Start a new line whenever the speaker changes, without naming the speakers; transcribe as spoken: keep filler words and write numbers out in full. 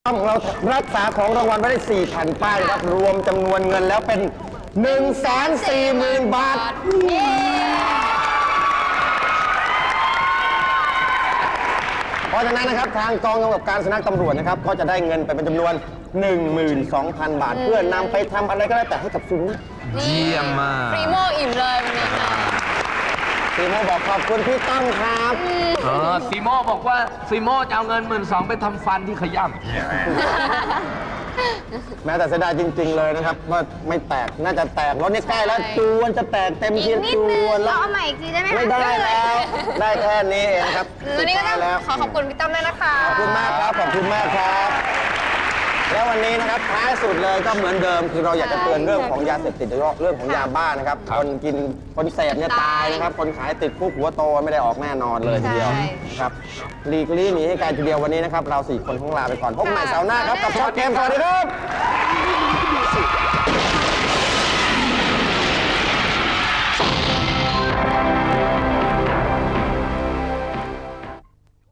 ของเรารักษาของรางวัลไว้ได้สี่แผ่นป้ายนะครับรวมจำนวนเงินแล้วเป็น หนึ่งแสนสี่หมื่น บาทเพราะฉะนั้นนะครับทางกองกำกับการสุนัขตำรวจนะครับก็จะได้เงินไปเป็นจำนวน หนึ่งหมื่นสองพัน บาท เพื่อนำไปทำอะไรก็ได้แต่ให้กับสุนัข
เยี่ยมมาก
ฟรีโมอิ่มเลยวันนี้ค่ะ
ซีโมบอกขอบคุณพี่ตั้มครับ
เออซีโมบอกว่าซีโมจะเอาเงินหมื่นสองไปทำฟันที่ขย่ำ
แม้แต่เสียดายจริงๆเลยนะครับว่าไม่แตกน่าจะแตกรถนี่ใกล้แล้วจวนจะแตกเต็ม
อี
ที
กนิด
จ
นึง
วนแล้
เรา
ว
เอาใหม่อีกทีได้ไหมคะ
ไม่ได้แล้ว ได้แค่นี้เองครับ
วันนี้ก็ต้อง
สุดท้ายแล้ว
ขอขอบคุณพี่ตั้มด้วยนะคะ
ขอบคุณมากครับ ขอบคุณมากครับ แล้ววันนี้นะครับท้ายสุดเลยก็เหมือนเดิมคือเราอยากจะเตือนเรื่องของยาเสพติดโดยเฉพาะเรื่องของยาบ้านะครับคนกินคนเสพเนี่ยตายนะครับคนขายติดคุกหัวโตไม่ได้ออกแน่นอนเลยทีเดียวครับหลีกลี่หนีให้ไกลทีเดียววันนี้นะครับเราสี่คนต้องลาไปก่อนพบกันใหม่เสาร์หน้าครับกับช็อตเกมสวัสดีครับ